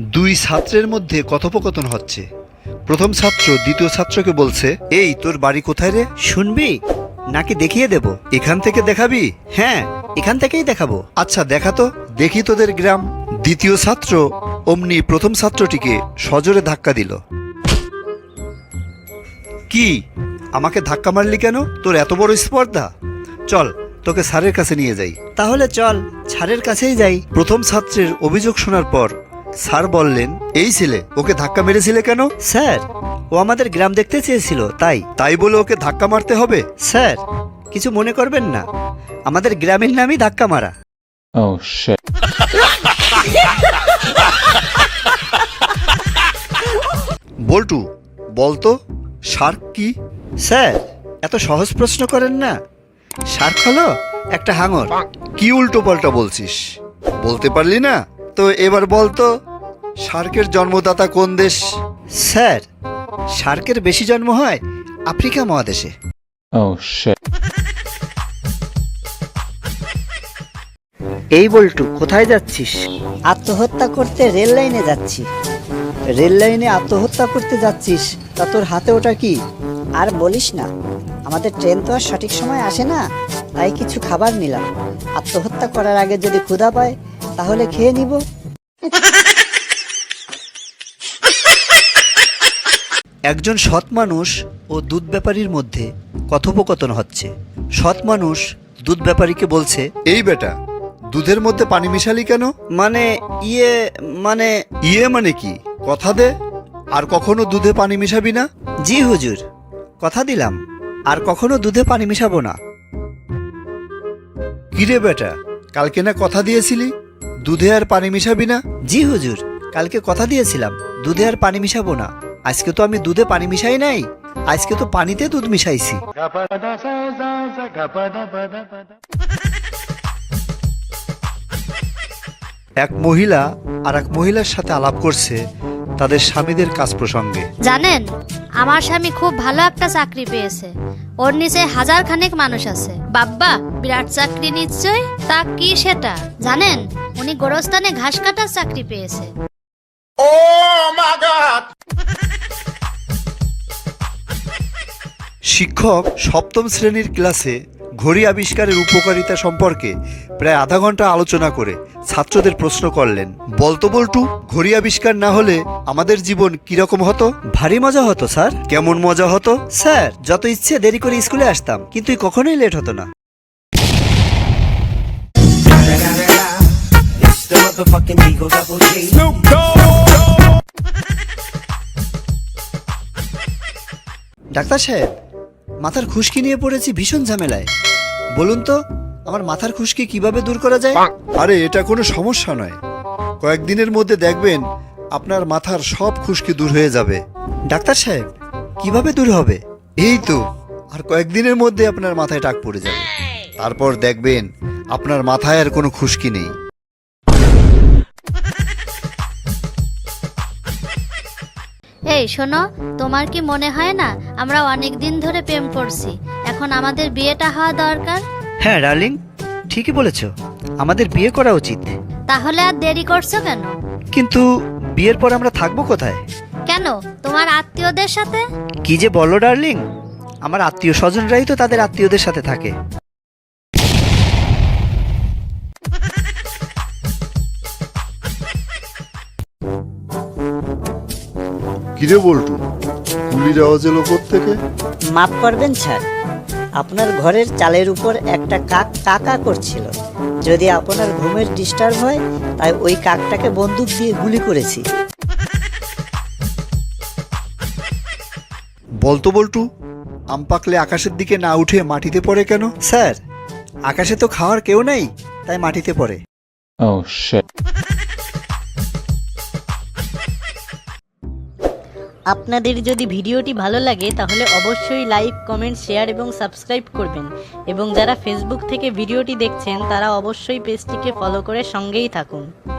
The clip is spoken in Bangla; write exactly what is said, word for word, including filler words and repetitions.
দুই ছাত্রের মধ্যে কথোপকথন হচ্ছে। প্রথম ছাত্র দ্বিতীয় ছাত্রকে বলছে, এই তোর বাড়ি কোথায় রে? শুনবি নাকি দেখিয়ে দেব? এখান থেকে দেখাবি? হ্যাঁ, এখান থেকেই দেখাবো। আচ্ছা দেখা তো, দেখি তোদের গ্রাম। দ্বিতীয় ছাত্র অমনি প্রথম ছাত্রটিকে সজোরে ধাক্কা দিল। কি, আমাকে ধাক্কা মারলি কেন? তোর এত বড় স্পর্ধা? চল তোকে স্যারের কাছে নিয়ে যাই। তাহলে চল স্যারের কাছেই যাই। প্রথম ছাত্রের অভিযোগ শোনার পর স্যার বললেন, এই ছেলে, ওকে ধাক্কা মেরেছিলে কেন? স্যার, ও আমাদের গ্রাম দেখতে চেয়েছিল, তাই। তাই বলে ওকে ধাক্কা মারতে হবে? স্যার, কিছু মনে করবেন না, আমাদের গ্রামের নামই ধাক্কা মারা। Oh shit. বল্টু, বলতো শার্ক কি? স্যার, এত সহজ প্রশ্ন করেন না। শার্ক হলো একটা হাঙর। কি উল্টো পাল্টা বলছিস? বলতে পারলি না তো এবার বলতো, শার্কের জন্মদাতা কোন দেশ? স্যার, শার্কের বেশি জন্ম হয় আফ্রিকা মহাদেশে। Oh shit. এই বল্টু, কোথায় যাচ্ছিস? আত্মহত্যা করতে রেল লাইনে যাচ্ছি। রেল লাইনে আত্মহত্যা করতে যাচ্ছিস? তা তোর হাতে ওটা কি? আর বলিস না, আমাদের ট্রেন তো আর সঠিক সময় আসে না, তাই কিছু খাবার নিলাম। আত্মহত্যা করার আগে যদি ক্ষুধা পায় তাহলে খেয়ে নিব। একজন সৎ মানুষ ও দুধ ব্যাপারীর মধ্যে কথোপকথন হচ্ছে। সৎ মানুষ দুধ ব্যাপারীকে বলছে, এই বেটা, দুধের মধ্যে পানি মিশালি কেন? মানে ইয়ে মানে ইয়ে মানে কি? কথা দে, আর কখনো দুধে পানি মিশাবি না। জি হুজুর, কথা দিলাম, আর কখনো দুধে পানি মিশাবো না। কিরে বেটা, কালকে না কথা দিয়েছিলি দুধে আর পানি মিশাবি না? জি হুজুর, কালকে কথা দিয়েছিলাম দুধে আর পানি মিশাবো না। আজকে তো আমি দুধে পানি মিশাই নাই, আজকে তো পানিতে দুধ মিশাইছি। এক মহিলা আর এক মহিলার সাথে আলাপ করছে তাদের স্বামীদের কাজ প্রসঙ্গে। জানেন, আমার স্বামী খুব ভালো একটা চাকরি পেয়েছে, ওর নিচে হাজার খানেক মানুষ আছে। বাব্বা, বিরাট চাকরি নিশ্চয়। তা কি সেটা জানেন? উনি গোরস্থানে ঘাস কাটার চাকরি পেয়েছে। শিক্ষক সপ্তম শ্রেণীর ক্লাসে ঘড়ি আবিষ্কারের উপকারিতা সম্পর্কে প্রায় আধা ঘন্টা আলোচনা করে ছাত্রদের প্রশ্ন করলেন, বলতো বল্টু, ঘড়ি আবিষ্কার না হলে আমাদের জীবন কিরকম হতো? ভারী মজা হতো স্যার। কেমন মজা হতো? স্যার, যত ইচ্ছে দেরি করে স্কুলে আসতাম, কিন্তু কখনোই লেট হতো না। ডাক্তার সাহেব, মাথার খুশকি নিয়ে পড়েছি ভীষণ ঝামেলায়। বলুন তো, আমার মাথার খুশকি কিভাবে দূর করা যায়? আরে এটা কোনো সমস্যা নয়, কয়েকদিনের মধ্যে দেখবেন আপনার মাথার সব খুশকি দূর হয়ে যাবে। ডাক্তার সাহেব, কিভাবে দূর হবে? এই তো, আর কয়েকদিনের মধ্যে আপনার মাথায় টাক পড়ে যাবে, তারপর দেখবেন আপনার মাথায় আর কোনো খুশকি নেই। এই শোনো, তোমার কি মনে হয় না আমরা অনেক দিন ধরে প্রেম করছি, এখন আমাদের বিয়েটা হওয়া দরকার? হ্যাঁ ডার্লিং, ঠিকই বলেছ, আমাদের বিয়ে করা উচিত। তাহলে আর দেরি করছো কেন? কিন্তু বিয়ের পর আমরা থাকবো কোথায়? কেন, তোমার আত্মীয়দের সাথে? কি যে বলো ডার্লিং, আমার আত্মীয় স্বজনরাই তো তাদের আত্মীয়দের সাথে থাকে। কিরে বল্টু, গুলির আওয়াজ এলো কোত্থেকে? মাফ করবেন স্যার, আপনার ঘরের চালের উপর একটা কাক কাকা করছিল। যদি আপনার ঘুমের ডিস্টার্ব হয়, তাই ওই কাকটাকে বন্দুক দিয়ে গুলি করেছি। বলতো বল্টু, আম পাকলে আকাশের দিকে না উঠে মাটিতে পড়ে কেন? স্যার, আকাশে তো খাওয়ার কেউ নাই, তাই মাটিতে পড়ে। Oh shit. আপনাদের যদি ভিডিওটি ভালো লাগে তাহলে অবশ্যই লাইক, কমেন্ট, শেয়ার এবং সাবস্ক্রাইব করবেন, এবং যারা ফেসবুক থেকে ভিডিওটি দেখছেন তারা অবশ্যই পেজটিকে ফলো করে সঙ্গেই থাকুন।